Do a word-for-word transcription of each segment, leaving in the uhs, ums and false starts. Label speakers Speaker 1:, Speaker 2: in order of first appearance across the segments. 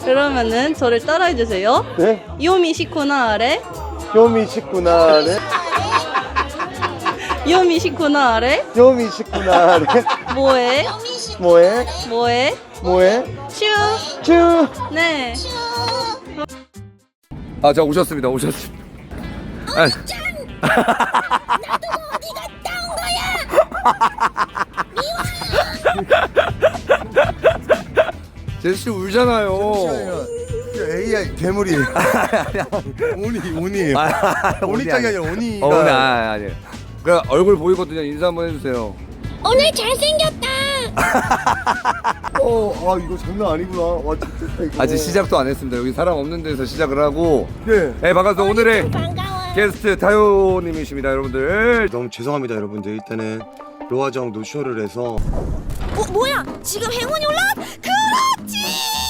Speaker 1: 그러면은 저를 따라해 주세요.
Speaker 2: 네?
Speaker 1: 요미시쿠나레
Speaker 2: 요미시쿠나레
Speaker 1: 요미시쿠나레
Speaker 2: 요미시쿠나레
Speaker 1: 뭐해
Speaker 2: 뭐해?
Speaker 1: 뭐해
Speaker 2: 뭐해?
Speaker 1: 슈
Speaker 2: 쭈!
Speaker 1: 네.
Speaker 3: 아, 자 오셨습니다. 오셨습니다. 아,
Speaker 4: 나도 어디 갔다 온 거야?
Speaker 3: 제시 울잖아요.
Speaker 2: 에이아이 괴물이 오니 오니 오니짱이 아니라 오니가
Speaker 3: 어, 네, 아, 아니. 그 얼굴 보이거든요. 인사 한번 해주세요.
Speaker 4: 오늘 잘생겼다.
Speaker 2: 어, 아 이거 장난 아니구나. 와 진짜 이거.
Speaker 3: 아직 시작도 안 했습니다. 여기 사람 없는 데서 시작을 하고.
Speaker 2: 네.
Speaker 3: 네, 반갑습니다. 오늘의
Speaker 4: 반가워.
Speaker 3: 게스트 타요님이십니다, 여러분들.
Speaker 2: 너무 죄송합니다 여러분들. 일단은 로아정 노쇼를 해서
Speaker 4: 어, 뭐야? 지금 행운이 올라왔? 그렇지.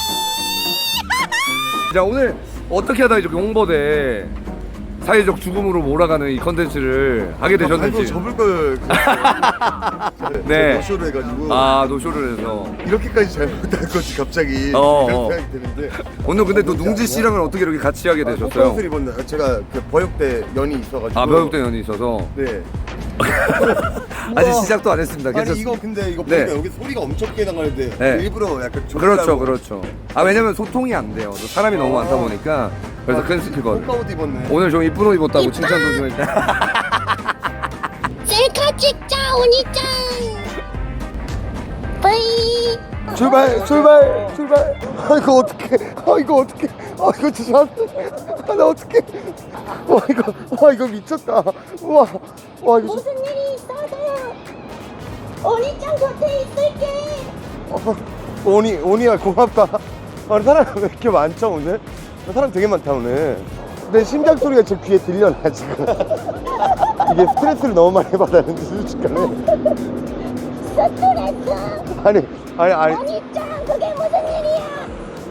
Speaker 3: 자, 오늘 어떻게 하다 이렇게 홍보대 사회적 죽음으로 몰아가는 이 컨텐츠를 하게 되셨는지.
Speaker 2: 접을 걸
Speaker 3: 네.
Speaker 2: 노쇼를 해가지고
Speaker 3: 아, 노쇼를 해서.
Speaker 2: 이렇게까지 잘못할 거지 갑자기
Speaker 3: 어,
Speaker 2: 그런
Speaker 3: 어.
Speaker 2: 생각이 드는데
Speaker 3: 오늘 근데 또 웅지 씨랑은 어떻게 이렇게 같이 하게 되셨어요?
Speaker 2: 꽃가옷을 입었는데 제가 그 버역대 연이 있어가지고
Speaker 3: 아, 배역대 연이 있어서.
Speaker 2: 네.
Speaker 3: 아직 시작도 안 했습니다.
Speaker 2: 아니
Speaker 3: 괜찮습니다.
Speaker 2: 이거 근데 이거
Speaker 3: 네.
Speaker 2: 보니까 여기 소리가 엄청 크게 나가는데
Speaker 3: 네.
Speaker 2: 일부러 약간
Speaker 3: 그렇죠,
Speaker 2: 조절하고
Speaker 3: 그렇죠. 아, 왜냐면 소통이 안 돼요. 또 사람이 너무 많다 보니까. 그래서 큰 스피커를.
Speaker 2: 꽃가옷 입었네.
Speaker 3: 오늘 좀 이쁜 옷 입었다고 칭찬도 좀 했다.
Speaker 4: 셀카 찍자 오니짱. 빠이.
Speaker 2: 출발 출발 출발. 아 이거 어떡해. 아 이거 어떡해. 아 이거 진짜 아, 나 어떡해. 와 이거 와 이거 미쳤다. 우와 와 이거
Speaker 4: 무슨 일이 있어서요? 오니짱 곁에 있을게.
Speaker 2: 어, 오니 오니야 고맙다. 아 사람 왜 이렇게 많죠 오늘? 사람 되게 많다 오늘. 내 심장 소리가 제 귀에 들려 나 지금. 이게 스트레스를 너무 많이 받았는데 솔직하네.
Speaker 4: 스트레스.
Speaker 2: 아니 아니 아니
Speaker 4: 오니짱 그게 무슨 일이야?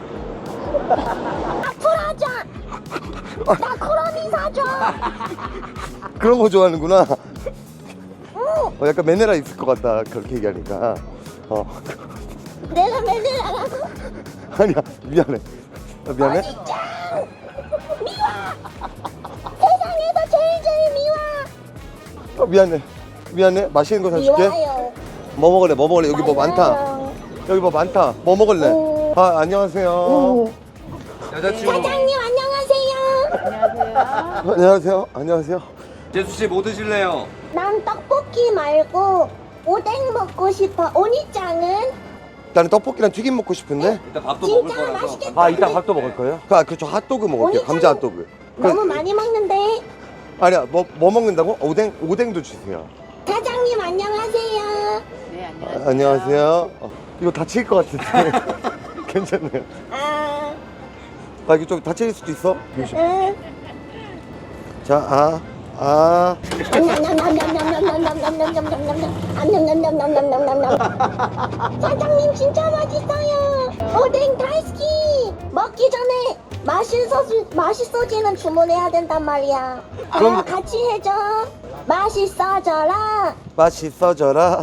Speaker 4: 나 풀어줘. 나 쿠로미 사줘.
Speaker 2: 그런 거 좋아하는구나.
Speaker 4: 응.
Speaker 2: 어, 약간 매너라 있을 것 같다 그렇게 얘기하니까. 어
Speaker 4: 내가 맨날 나가고.
Speaker 2: 아니야 미안해. 아, 미안해.
Speaker 4: 오니짱 미워. 세상에서 제일 제일 미워.
Speaker 2: 어, 미안해. 미안해. 맛있는 거 사줄게.
Speaker 4: 미워요.
Speaker 2: 뭐 먹을래? 뭐 먹을래? 여기 뭐 많다.
Speaker 4: 맞아요.
Speaker 2: 여기 뭐 많다. 뭐 먹을래?
Speaker 4: 오.
Speaker 2: 아 안녕하세요.
Speaker 4: 오.
Speaker 3: 여자친구.
Speaker 4: 사장님 안녕하세요.
Speaker 2: 안녕하세요. 안녕하세요.
Speaker 3: 제수 씨 뭐 드실래요?
Speaker 4: 난 떡볶이 말고 오뎅 먹고 싶어. 오니짱은
Speaker 2: 나는 떡볶이랑 튀김 먹고 싶은데.
Speaker 3: 일단 밥도 먹을
Speaker 4: 진짜
Speaker 3: 거라서.
Speaker 4: 맛있겠다.
Speaker 2: 아 이따 밥도 먹을 거예요? 아 그렇죠. 핫도그 먹을게요.
Speaker 4: 오니짱은
Speaker 2: 감자 핫도그.
Speaker 4: 너무
Speaker 2: 그,
Speaker 4: 많이 먹는데.
Speaker 2: 아니야 뭐, 뭐 먹는다고? 오뎅 오뎅도 주세요.
Speaker 4: 사장님 안녕하세요.
Speaker 2: 아, 안녕하세요. 어, 이거 다칠 것 같은데. 괜찮네요.
Speaker 4: 아,
Speaker 2: 아 이거 좀 다칠 수도 있어.
Speaker 4: 응.
Speaker 2: 자, 아, 아.
Speaker 4: 사장님 진짜 맛있어요. 오뎅 다이스키. 먹기 전에 맛있어 맛있어지는 주문해야 된단 말이야.
Speaker 2: 그럼-
Speaker 4: 아, 같이 해줘. 맛있어져라.
Speaker 2: 맛있어져라.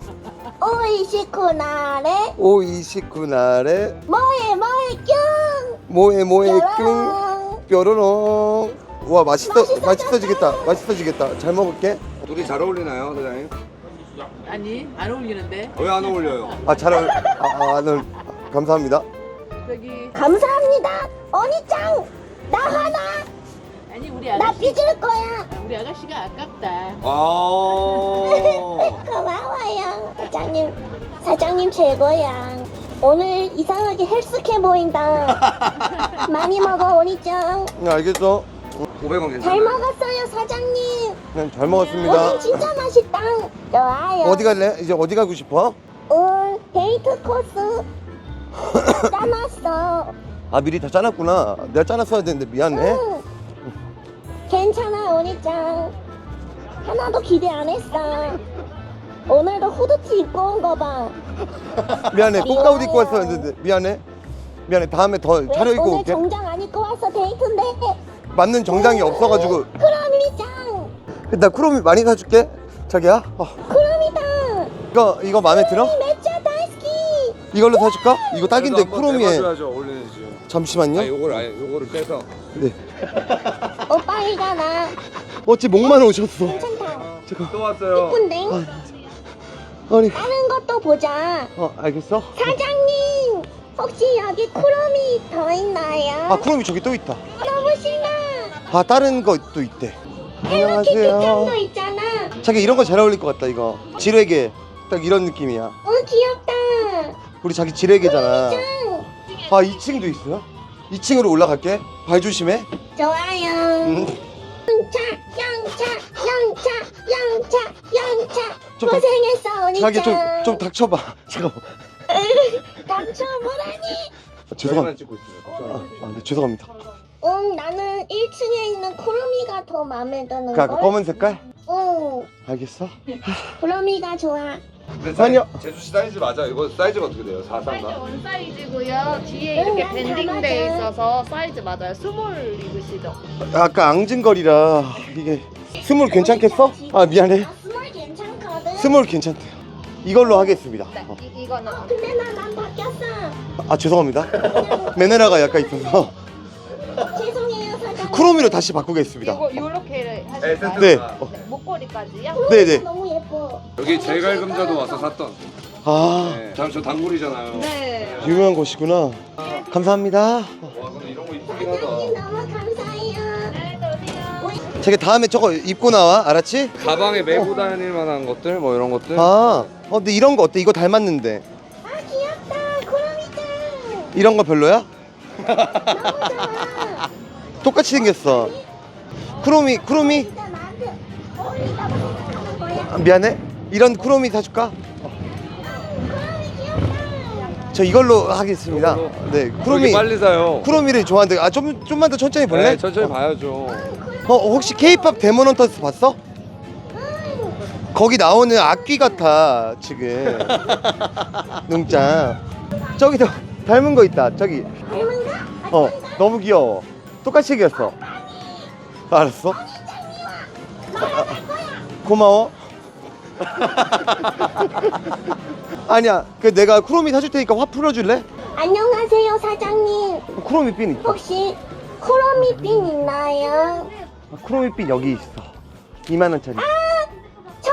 Speaker 4: 오이시쿠나레.
Speaker 2: 오이십구 날에
Speaker 4: 뭐해 뭐해 뀨.
Speaker 2: 뭐에 뭐에 끙
Speaker 4: 뾰로롱.
Speaker 2: 뾰로롱. 와 맛있어
Speaker 4: 맛있어졌다.
Speaker 2: 맛있어지겠다. 맛있어지겠다. 잘 먹을게.
Speaker 3: 둘이 잘 어울리나요, 사장님?
Speaker 5: 아니 안 어울리는데
Speaker 3: 왜 안 어울려요?
Speaker 2: 아 잘 어울. 아, 아, 네. 감사합니다.
Speaker 5: 저기
Speaker 4: 감사합니다. 언니짱 나 하나.
Speaker 5: 아니 우리
Speaker 4: 나
Speaker 5: 아가씨
Speaker 4: 빚을 거야.
Speaker 5: 우리 아가씨가 아깝다.
Speaker 3: 아.
Speaker 4: 고마워요. 사장님, 사장님 최고야. 오늘 이상하게 헬스케 보인다. 많이 먹어, 오니짱.
Speaker 2: 네, 알겠어.
Speaker 3: 오백 원
Speaker 4: 잘
Speaker 3: 괜찮아요?
Speaker 4: 먹었어요, 사장님.
Speaker 2: 네, 잘 먹었습니다.
Speaker 4: 오늘 진짜 맛있다. 좋아요.
Speaker 2: 어디 갈래? 이제 어디 가고 싶어?
Speaker 4: 응, 데이트 코스 짜놨어.
Speaker 2: 아 미리 다 짜놨구나. 내가 짜놨어야 되는데 미안해.
Speaker 4: 응. 괜찮아, 오니짱. 하나도 기대 안 했어. 오늘도 후드티 입고 온 거 봐.
Speaker 2: 미안해. 꽃가옷 입고 왔었는데 미안해. 미안해. 다음에 더
Speaker 4: 왜
Speaker 2: 차려입고
Speaker 4: 오늘
Speaker 2: 올게.
Speaker 4: 정장 안 입고 왔어, 데이트인데.
Speaker 2: 맞는 정장이 없어가지고.
Speaker 4: 크롬이짱.
Speaker 2: 나 쿠로미 많이 사줄게. 자기야. 어.
Speaker 4: 크롬이다.
Speaker 2: 이거 이거 마음에 들어?
Speaker 4: 매차 다이스키.
Speaker 2: 이걸로 사줄까? 이거 딱인데 쿠로미에.
Speaker 3: 해봐줘야죠 원래는지.
Speaker 2: 잠시만요.
Speaker 3: 아 요걸 아예 요거를 빼서.
Speaker 2: 네.
Speaker 4: 오빠 이거나
Speaker 2: 어찌 목만 오셨어.
Speaker 4: 괜찮다.
Speaker 3: 또 왔어요.
Speaker 4: 이쁜데?
Speaker 2: 아니.
Speaker 4: 다른 것도 보자.
Speaker 2: 어 알겠어.
Speaker 4: 사장님 혹시 여기 쿠로미 더 있나요?
Speaker 2: 아 쿠로미 저기 또 있다.
Speaker 4: 너무 신나.
Speaker 2: 아 다른 것도 있대.
Speaker 4: 헬로키티 짱도
Speaker 2: 안녕하세요.
Speaker 4: 있잖아.
Speaker 2: 자기 이런 거 잘 어울릴 것 같다 이거. 지뢰개 딱 이런 느낌이야.
Speaker 4: 어 귀엽다.
Speaker 2: 우리 자기 지뢰개잖아.
Speaker 4: 짱.
Speaker 2: 아 이 층도 있어요? 이 층으로 올라갈게. 발 조심해.
Speaker 4: 좋아요.
Speaker 2: 음.
Speaker 4: 영차 영차 영차 영차 영차
Speaker 2: 좀
Speaker 4: 고생했어 언니
Speaker 2: 자기 좀
Speaker 4: 짱.
Speaker 2: 좀 닥쳐봐. 잠깐만.
Speaker 4: 닥쳐보라니.
Speaker 2: 아, 죄송합니다.
Speaker 3: 찍고 있어요.
Speaker 2: 아, 아, 네, 죄송합니다.
Speaker 4: 응 나는 일 층에 있는 쿠로미가 더 마음에 드는
Speaker 2: 그 아까
Speaker 4: 걸.
Speaker 2: 검은 색깔?
Speaker 4: 응
Speaker 2: 알겠어.
Speaker 4: 쿠로미가 좋아.
Speaker 3: 근데
Speaker 2: 아니요.
Speaker 3: 제수 씨 사이즈 맞아. 이거 사이즈가 어떻게 돼요? 사삼가?
Speaker 6: 원 사이즈고요. 뒤에 이렇게
Speaker 4: 응,
Speaker 6: 밴딩돼
Speaker 4: 맞아.
Speaker 6: 있어서 사이즈 맞아요. 스몰 입으시죠?
Speaker 2: 아까 앙증거리라 이게 스몰 괜찮겠어? 아 미안해.
Speaker 4: 아, 스몰 괜찮거든.
Speaker 2: 스몰 괜찮대요. 이걸로 하겠습니다.
Speaker 6: 네,
Speaker 2: 어.
Speaker 6: 이, 이거는
Speaker 4: 어, 근데 나난 바뀌었어.
Speaker 2: 아 죄송합니다. 매너라가 약간 있어서
Speaker 4: 죄송해요 사장님.
Speaker 2: 크로미로 다시 바꾸겠습니다.
Speaker 6: 이거 요렇게
Speaker 3: 네,
Speaker 6: 하실까요?
Speaker 2: 네.
Speaker 6: 네, 목걸이까지요?
Speaker 4: 쿠로미가
Speaker 2: 네네.
Speaker 4: 너무 예뻐.
Speaker 3: 여기 제갈금자도 와서 샀던.
Speaker 2: 아
Speaker 3: 네. 다음 저 단골이잖아요.
Speaker 6: 네.
Speaker 2: 유명한 곳이구나. 감사합니다.
Speaker 3: 와 근데 이런 거 이쁘긴
Speaker 4: 사장님
Speaker 3: 하다.
Speaker 4: 너무 감사해요.
Speaker 6: 네, 들어오세요.
Speaker 2: 자기 다음에 저거 입고 나와. 알았지?
Speaker 3: 가방에 메고 다닐 만한 것들 뭐 이런 것들.
Speaker 2: 아 어, 근데 이런 거 어때? 이거 닮았는데
Speaker 4: 아 귀엽다 쿠로미짱.
Speaker 2: 이런 거 별로야?
Speaker 4: 너무 좋아.
Speaker 2: 똑같이 생겼어. 크로미 크로미
Speaker 4: 진짜 나한테 어울린다고 생각하는 거야.
Speaker 2: 아, 미안해. 이런 크로미 사줄까?
Speaker 4: 쿠로미 귀엽다.
Speaker 2: 저 이걸로 하겠습니다. 네
Speaker 3: 그러게
Speaker 2: 크로미
Speaker 3: 빨리 사요.
Speaker 2: 크로미를 좋아하는데 아 좀 좀만 더 천천히 볼래?
Speaker 3: 네, 천천히 봐야죠.
Speaker 2: 어 혹시 K-팝 데모넌터스 봤어? 거기 나오는 악귀 같아 지금. 눈짱 저기도 닮은 거 있다 저기.
Speaker 4: 닮은가?
Speaker 2: 어 너무 귀여워. 똑같이 생겼어. 알았어. 아, 고마워. 아니야 그 내가 크로미 사줄 테니까 화 풀어줄래?
Speaker 4: 안녕하세요 사장님.
Speaker 2: 크로미 핀 있다.
Speaker 4: 혹시 쿠로미핀 있나요?
Speaker 2: 아, 크로미 핀 여기 있어. 이만 원짜리.
Speaker 4: 저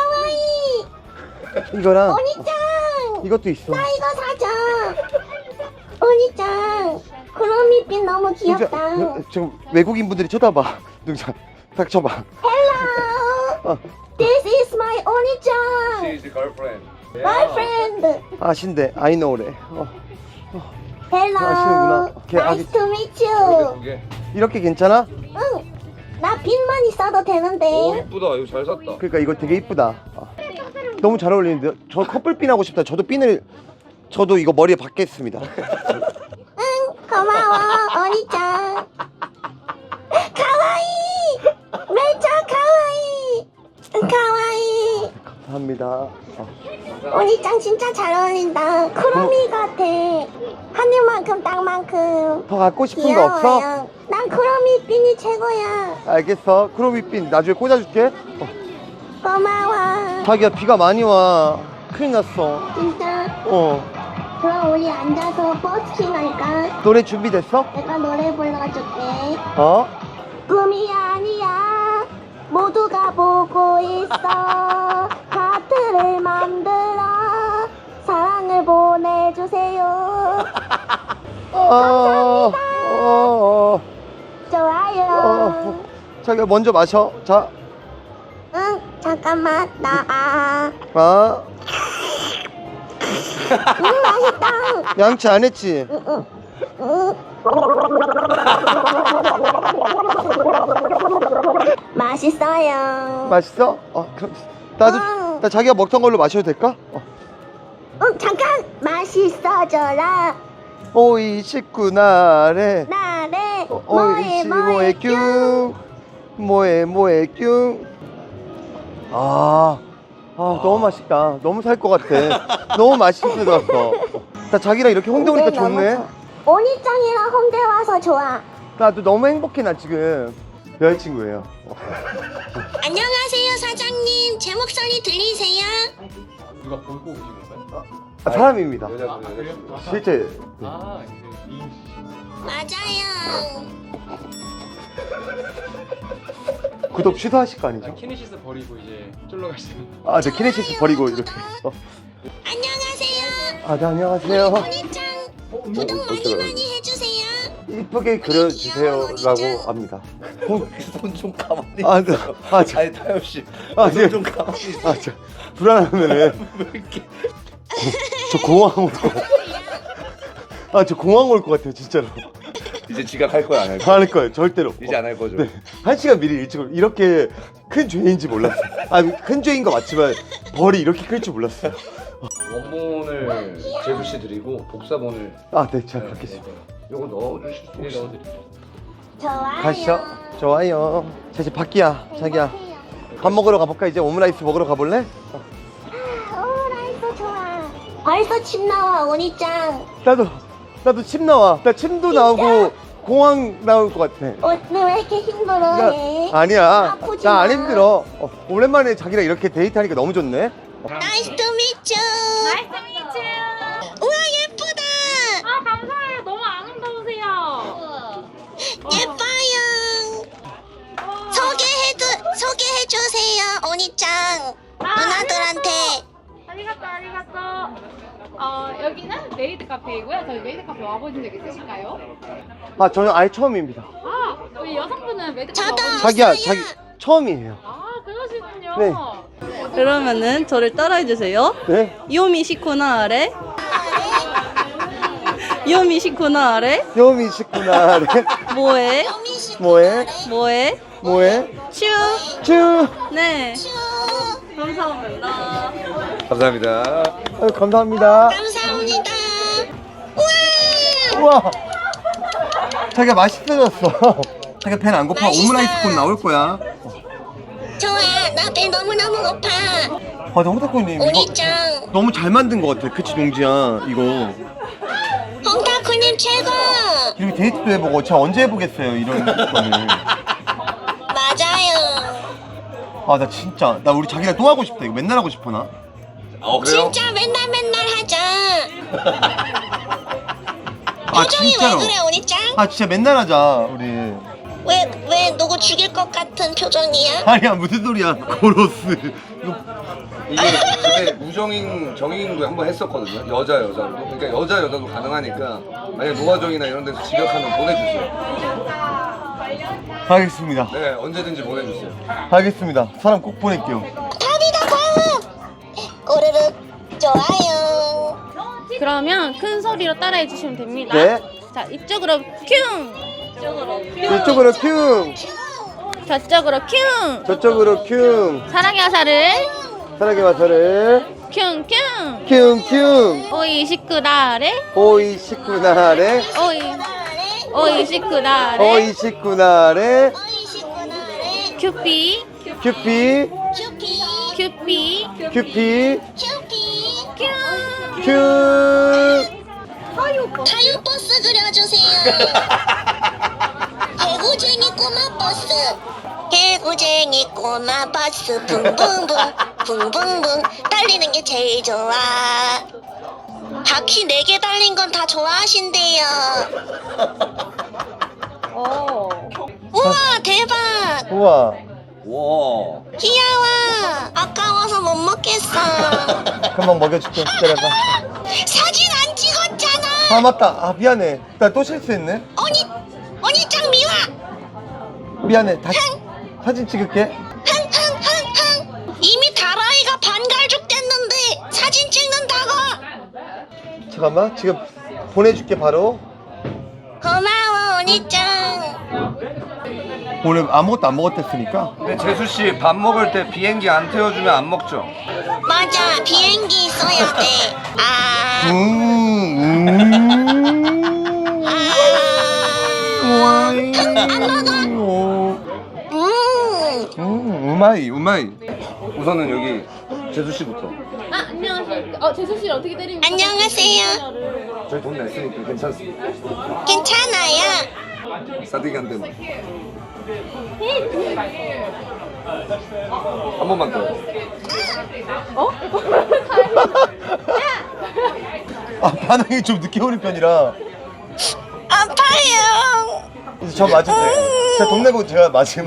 Speaker 4: 가와이.
Speaker 2: 이거랑
Speaker 4: 언니짱.
Speaker 2: 이것도 있어.
Speaker 4: 나 이거 사자. 언니짱. 쿠로미핀 너무 귀엽다.
Speaker 2: 진짜, 지금 외국인 분들이 쳐다봐. 눈짱 닥쳐봐.
Speaker 4: Hello.
Speaker 2: 어,
Speaker 4: This is my 언니짱.
Speaker 3: She is girlfriend.
Speaker 4: My friend.
Speaker 2: 아신대 아이노래. 어,
Speaker 4: Hello.
Speaker 2: 아시는구나. 오케이,
Speaker 4: Nice
Speaker 2: 알겠-
Speaker 4: to meet you.
Speaker 3: 두 개.
Speaker 2: 이렇게 괜찮아?
Speaker 4: 응. 나 핀만 있어도
Speaker 3: 오
Speaker 4: 되는데.
Speaker 3: 이쁘다. 이거 잘 샀다.
Speaker 2: 그러니까 이거 되게 이쁘다. 아, 너무 잘 어울리는데 저 커플 핀 하고 싶다. 저도 핀을 저도 이거 머리에 박겠습니다.
Speaker 4: 응. 고마워. 언니짱. 가와이. 매차 가와이. 가와이.
Speaker 2: 감사합니다. 어,
Speaker 4: 언니짱 진짜 잘 어울린다. 크로미 같아. 하늘만큼 땅만큼.
Speaker 2: 더 갖고 싶은 거 없어?
Speaker 4: 귀여워요. 난 크로미 핀이 최고야.
Speaker 2: 알겠어. 크로미 핀 나중에 꽂아줄게. 어,
Speaker 4: 고마워.
Speaker 2: 자기야 비가 많이 와. 큰일 났어.
Speaker 4: 진짜.
Speaker 2: 어
Speaker 4: 그럼 우리 앉아서 버스킹 할까?
Speaker 2: 노래 준비됐어?
Speaker 4: 내가 노래 불러줄게.
Speaker 2: 어?
Speaker 4: 꿈이 아니야. 모두가 보고 있어. 하트를 만들어. 사랑을 보내주세요.
Speaker 2: 어, 어, 어,
Speaker 4: 좋아요.
Speaker 2: 어. 자기야 먼저 마셔. 자,
Speaker 4: 응, 잠깐만. 나, 아.
Speaker 2: 아,
Speaker 4: 음, 맛있다.
Speaker 2: 양치 안 했지?
Speaker 4: 응, 응. 응. 맛있어요.
Speaker 2: 맛있어? 어, 그럼 나도
Speaker 4: 응.
Speaker 2: 나 자기가 먹던 걸로 마셔도 될까? 어.
Speaker 4: 응, 잠깐. 맛있어져라.
Speaker 2: 오이 식구 나래.
Speaker 4: 나래.
Speaker 2: 어,
Speaker 4: 뭐해,
Speaker 2: 오이시
Speaker 4: 뭐해,
Speaker 2: 뭐해 뀨. 뭐해 뭐해 뀨. 아, 아 너무 맛있다. 너무 살 것 같아. 너무 맛있어 들었어. 나 자기랑 이렇게 홍대 오니까
Speaker 4: 근데 너무
Speaker 2: 좋네.
Speaker 4: 좋아. 언니짱이랑 홍대 와서 좋아.
Speaker 2: 나도 너무 행복해 나 지금. 여자친구예요. 어.
Speaker 4: 안녕하세요, 사장님. 제 목소리 들리세요?
Speaker 3: 누가 보고 오신 건가요?
Speaker 2: 아, 사람입니다.
Speaker 3: 여자분, 여자분.
Speaker 2: 실제. 네.
Speaker 4: 맞아요.
Speaker 2: 구독 취소하실 거 아니죠?
Speaker 7: 키네시스 버리고 이제 쫄러 가시는.
Speaker 2: 아, 저 키네시스 버리고 이렇게. 어.
Speaker 4: 안녕하세요.
Speaker 2: 아, 네, 안녕하세요.
Speaker 4: 언니짱 구독 많이 많이 해주세요.
Speaker 2: 이쁘게 그려주세요라고 합니다.
Speaker 3: 손좀 가만히.
Speaker 2: 아, 네. 아, 저,
Speaker 3: 아니 타협 씨.
Speaker 2: 아, 네.
Speaker 3: 좀 가만히 있어.
Speaker 2: 아, 저 불안하면은
Speaker 3: 왜 이렇게?
Speaker 2: 저 공항 올 것 같아. 아, 저 공항 올 것 같아요, 진짜로.
Speaker 3: 이제 지각할 거야 안 할 거야?
Speaker 2: 안 할 거예요, 절대로.
Speaker 3: 이제 안 할 거죠?
Speaker 2: 네. 한 시간 미리 일찍 올- 이렇게 큰 죄인지 몰랐어요. 아, 큰 죄인 거 맞지만 벌이 이렇게 클 줄 몰랐어요.
Speaker 3: 원본을 재수 씨 드리고 복사본을
Speaker 2: 아, 네, 제가 받겠습니다.
Speaker 3: 요거 넣어주실 수
Speaker 7: 네,
Speaker 3: 있어요?
Speaker 7: 넣어드릴게요.
Speaker 4: 좋아요.
Speaker 2: 가시죠. 좋아요. 자, 이제 밖이야, 자기야. 밥 먹으러 가볼까? 이제 오므라이스 먹으러 가볼래?
Speaker 4: 오라이스 좋아. 벌써 침 나와 언니짱.
Speaker 2: 나도, 나도 침 나와. 나 침도 나오고 공항 나올 것 같아.
Speaker 4: 오늘 왜 이렇게 힘들어해?
Speaker 2: 나, 아니야.
Speaker 4: 아프지
Speaker 2: 나
Speaker 4: 마.
Speaker 2: 안 힘들어. 어, 오랜만에 자기랑 이렇게 데이트하니까 너무 좋네.
Speaker 4: 나이스 투 미츠.
Speaker 6: 나이스 미츠.
Speaker 4: 우와 예쁘다.
Speaker 6: 아 감사해요. 너무 아름다우세요.
Speaker 4: 예뻐요. 소개해도 소개해주세요 언니짱. 누나들한테.
Speaker 6: 아리가또 아리가또. 어 여기는 메이드 카페이고요. 저희 메이드 카페 와보신 적 있으실까요?
Speaker 2: 아, 저는 아예 처음입니다.
Speaker 6: 아 우리 여성분은 메이드 카페
Speaker 4: 저도.
Speaker 6: 와보신
Speaker 2: 자기야,
Speaker 4: 없어요.
Speaker 2: 자기 처음이에요.
Speaker 6: 아 그러시군요.
Speaker 2: 네.
Speaker 1: 그러면은 저를 따라해주세요.
Speaker 2: 네?
Speaker 1: 요미 시코나 아래. 요미 시코나 아래.
Speaker 2: 요미 식구나. 네.
Speaker 1: 뭐해?
Speaker 4: 여미씨
Speaker 2: 뭐해?
Speaker 1: 뭐해?
Speaker 2: 뭐해?
Speaker 1: 츄.
Speaker 2: 쭈.
Speaker 1: 네. 감사합니다.
Speaker 3: 감사합니다.
Speaker 2: 아유, 감사합니다.
Speaker 4: 감사합니다. 우와.
Speaker 2: 우와. 자기가 맛있어졌어. 자기가 배는 안 고파.
Speaker 4: 맛있어.
Speaker 2: 오므라이스 콘 나올 거야.
Speaker 4: 좋아. 나 배 너무너무 고파.
Speaker 2: 아, 나 홍타코님 이거
Speaker 4: 언니짱.
Speaker 2: 너무 잘 만든 것 같아. 그치, 농지야. 이거.
Speaker 4: 홍타쿠님 최고.
Speaker 2: 이렇게 데이트도 해보고 제가 언제 해보겠어요, 이런 거를.
Speaker 4: 맞아요.
Speaker 2: 아, 나 진짜 나 우리 자기랑 또 하고 싶다. 이거 맨날 하고 싶어 나.
Speaker 3: 어 그래요?
Speaker 4: 진짜 맨날 맨날 하자.
Speaker 2: 아,
Speaker 4: 표정이
Speaker 2: 진짜로.
Speaker 4: 왜 그래 언니짱?
Speaker 2: 아, 진짜 맨날 하자 우리.
Speaker 4: 왜 왜 누구 죽일 것 같은 표정이야?
Speaker 2: 아니야, 무슨 소리야. 고로스. 이거
Speaker 3: 이게 그때 무정인 정인도 한번 했었거든요. 여자 여자로. 그러니까 여자 여자도 가능하니까 만약 노화정이나 이런 데서 지각하면 보내주세요.
Speaker 2: 알겠습니다.
Speaker 3: 네 언제든지 보내주세요.
Speaker 2: 알겠습니다. 사람 꼭 보낼게요.
Speaker 4: 답이다 답. 오르륵 좋아요.
Speaker 8: 그러면 큰 소리로 따라해 주시면 됩니다.
Speaker 2: 네.
Speaker 8: 자, 이쪽으로 큐!
Speaker 2: 이쪽으로 큐.
Speaker 8: 저쪽으로 큐!
Speaker 2: 저쪽으로 큐.
Speaker 8: 사랑의 화살을
Speaker 2: 사랑의 마사를
Speaker 8: 큐큐!
Speaker 2: 큐큐.
Speaker 8: 오이 식구나래
Speaker 2: 오이 식구나래.
Speaker 8: 오이 오이 식구나래
Speaker 2: 오이 식구나래.
Speaker 4: 오이시구나래.
Speaker 8: 큐피
Speaker 2: 큐피.
Speaker 4: 큐피
Speaker 8: 큐피
Speaker 2: 큐피.
Speaker 4: 큐피.
Speaker 8: 큐!
Speaker 2: 큐.
Speaker 4: 타요 버스 그려주세요. 개구쟁이 꼬마 버스. 개구쟁이 꼬마 버스 붕붕붕 붕붕붕 달리는 게 제일 좋아. 바퀴 네 개 달린 건 다 좋아하신대요. 우와 대박.
Speaker 2: 우와.
Speaker 3: 와.
Speaker 4: 귀여워. 아까워서 못 먹겠어.
Speaker 2: 금방 먹여줄게. 기다려봐.
Speaker 4: 사진 안 찍었잖아.
Speaker 2: 아, 맞다. 아, 미안해. 나 또 실수했네.
Speaker 4: 언니 언니 짱 미워.
Speaker 2: 미안해. 다시 사진 찍을게.
Speaker 4: 흥흥흥흥. 이미 다라이가 반갈죽 됐는데 사진 찍는다고.
Speaker 2: 잠깐만. 지금 보내줄게 바로.
Speaker 4: 고마워 언니 짱.
Speaker 2: 오늘 아무것도 안 먹었댔으니까.
Speaker 3: 근데 재수 씨 밥 먹을 때 비행기 안 태워주면 안 먹죠?
Speaker 4: 맞아 비행기 있어야 돼. 아.
Speaker 2: 음. 음.
Speaker 4: 아.
Speaker 2: 음.
Speaker 4: 음.
Speaker 2: 음. 우마이 우마이.
Speaker 3: 우선은 여기 재수 씨부터.
Speaker 8: 아, 안녕하세요. 어, 재수 씨 어떻게 때립니까?
Speaker 4: 안녕하세요.
Speaker 3: 저희 돈 냈으니까 괜찮습니다.
Speaker 4: 괜찮아요.
Speaker 3: 싸대기 한 대만. 한 번만 더.
Speaker 1: 어?
Speaker 2: 아 반응이 좀 늦게 오는 편이라
Speaker 4: 아파요.
Speaker 2: 이제 저 맞을 때 제가 돈 내고 제가 맞으면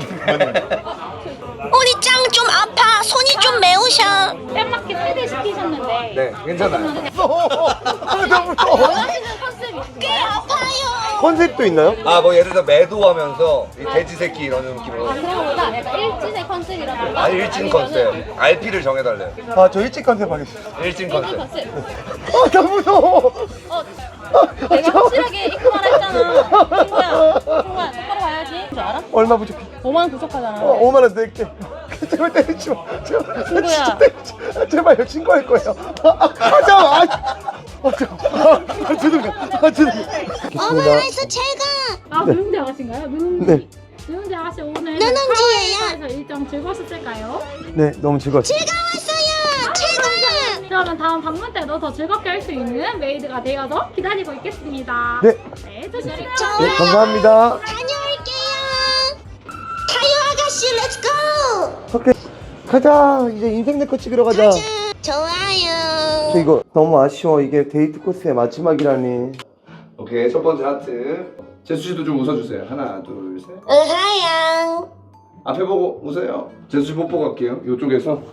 Speaker 4: 우리 짱 좀 아파. 손이 좀 매우셔.
Speaker 6: 뺨맞게 세대 시키셨는데
Speaker 3: 네, 괜찮아요.
Speaker 2: 아, 너무 무서워.
Speaker 6: 원하시는 컨셉 있으세요?
Speaker 4: 꽤 아파요.
Speaker 2: 컨셉도 있나요?
Speaker 3: 아, 뭐 예를 들어 매도하면서 이 돼지 새끼 이런 느낌으로.
Speaker 6: 아 그런 거보다 약간 일진의 컨셉이라던가
Speaker 3: 아, 일진 컨셉. 알피를 정해달래요.
Speaker 2: 아 저 일찍 컨셉 하겠습니다.
Speaker 3: 일진
Speaker 6: 일진
Speaker 3: 컨셉.
Speaker 6: 컨셉
Speaker 2: 아 너무 무서워.
Speaker 6: 어 내가 확실하게 입고 말했잖아 친구야 친구야 똑바로 가야지 줄 알아?
Speaker 2: 얼마 부족해?
Speaker 6: 오만 원 부족하잖아
Speaker 2: 어, 오만 원 낼게. 제발 때리지 마. 제발.
Speaker 1: 친구야.
Speaker 2: 진짜 때리지 마. 제발요. 신고할 거예요. 아, 아, 하자. 아, 아, 저, 아, 아, 죄송해요. 아, 죄송해요.
Speaker 4: 어머나에서 제가
Speaker 6: 아 누룽지 아가씨인가요? 누룽지
Speaker 2: 네.
Speaker 6: 누룽지 아가씨 오늘
Speaker 4: 누룽지예요.
Speaker 6: 하와이에서 일정 즐거웠을까요?
Speaker 2: 네, 너무 즐거웠어요.
Speaker 4: 즐거웠어요. 최고야.
Speaker 6: 그러면 다음 방문 때도 더 즐겁게 할 수 있는 메이드가 되어서 기다리고 있겠습니다
Speaker 2: 네.
Speaker 6: 네 조심히
Speaker 2: 네,
Speaker 4: 좋아요.
Speaker 2: 감사합니다.
Speaker 4: 다녀올게요. 타요 아가씨 렛츠고.
Speaker 2: 오케이. 가자. 이제 인생 내거 찍으러 가자.
Speaker 4: 좋아요.
Speaker 2: 저 이거 너무 아쉬워. 이게 데이트 코스의 마지막이라니.
Speaker 3: 오케이, 첫 번째 하트. 제수 씨도 좀 웃어주세요. 하나, 둘, 셋.
Speaker 4: 으하양.
Speaker 3: 앞에 보고 웃어요. 제수 씨 뽀뽀 갈게요. 이쪽에서.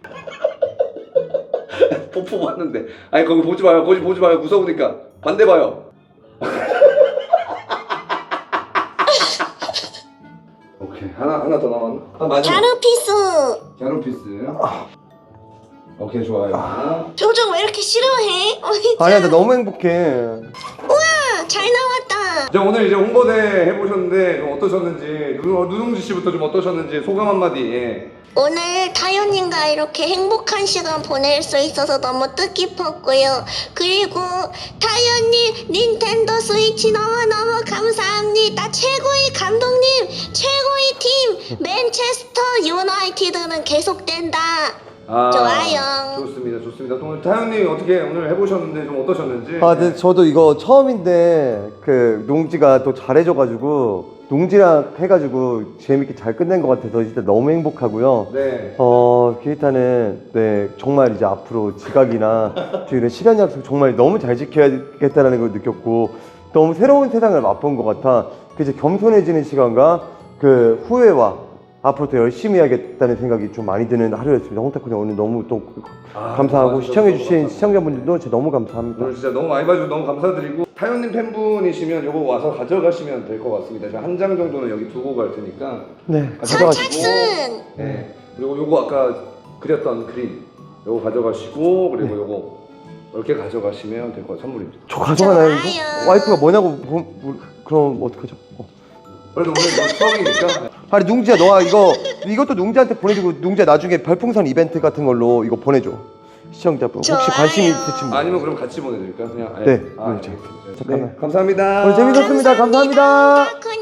Speaker 3: 뽀뽀 봤는데. 아니 거기 보지 마요. 거기 보지 마요. 무서우니까. 반대 봐요. 오케이, 하나 하나 더 남았나? 아, 마지막.
Speaker 4: 가루피스.
Speaker 3: 갸루피스. 오케이, 좋아요.
Speaker 4: 표정 왜 이렇게 싫어해? 어이,
Speaker 2: 아니야, 나 너무 행복해.
Speaker 4: 짱, 잘 나왔다.
Speaker 3: 자, 오늘 이제 홍보대 해보셨는데 좀 어떠셨는지, 누, 누룽지 씨부터 좀 어떠셨는지 소감 한마디. 예.
Speaker 4: 오늘 타요님과 이렇게 행복한 시간 보낼 수 있어서 너무 뜻깊었고요. 그리고 타요님 닌텐도 스위치 너무너무 감사합니다. 최고의 감독님, 최고의 팀 맨체스터 유나이티드는 계속된다.
Speaker 3: 아,
Speaker 4: 좋아요.
Speaker 3: 좋습니다, 좋습니다. 또 오늘 타연님 어떻게 오늘 해보셨는데 좀 어떠셨는지.
Speaker 2: 아, 근데 저도 이거 처음인데 그 농지가 또 잘해줘가지고 농지랑 해가지고 재밌게 잘 끝낸 것 같아서 진짜 너무 행복하고요.
Speaker 3: 네.
Speaker 2: 어, 기타는 네 정말 이제 앞으로 지각이나 또 이런 시간 약속 정말 너무 잘 지켜야겠다라는 걸 느꼈고 너무 새로운 세상을 맛본 것 같아. 그 이제 겸손해지는 시간과 그 후회와 앞으로 더 열심히 해야겠다는 생각이 좀 많이 드는 하루였습니다. 홍타쿠님 오늘 너무 또
Speaker 3: 아,
Speaker 2: 감사하고
Speaker 3: 너무
Speaker 2: 시청해주신
Speaker 3: 감사합니다.
Speaker 2: 시청자분들도 진짜 너무 감사합니다.
Speaker 3: 오늘 진짜 너무 많이 봐주셔서 너무 감사드리고 타연님 팬분이시면 요거 와서 가져가시면 될 것 같습니다. 제가 한 장 정도는 여기 두고 갈 테니까.
Speaker 2: 네,
Speaker 3: 가져가시고.
Speaker 4: 선착순.
Speaker 3: 네. 그리고 요거 아까 그렸던 그림 요거 가져가시고 그리고 요거 이렇게 가져가시면 될 것 같아요. 선물입니다.
Speaker 2: 저 가져가나요?
Speaker 4: 좋아요.
Speaker 2: 이거? 와이프가 뭐냐고 보- 뭐- 그럼 어떡하죠? 어.
Speaker 3: 그래도 오늘 뭐 처음이니까.
Speaker 2: 아니 농지야 너가 이거 이것도 농지한테 보내주고 농지야 나중에 별풍선 이벤트 같은 걸로 이거 보내줘 시청자분 혹시
Speaker 4: 좋아요.
Speaker 2: 관심 있으신 분.
Speaker 3: 아니면 그럼 같이 보내드릴까요? 그냥.
Speaker 2: 네,
Speaker 3: 아,
Speaker 2: 그렇죠.
Speaker 3: 네.
Speaker 2: 잠깐만.
Speaker 3: 네, 감사합니다.
Speaker 2: 오늘 재밌었습니다. 감사합니다.
Speaker 4: 타쿠님.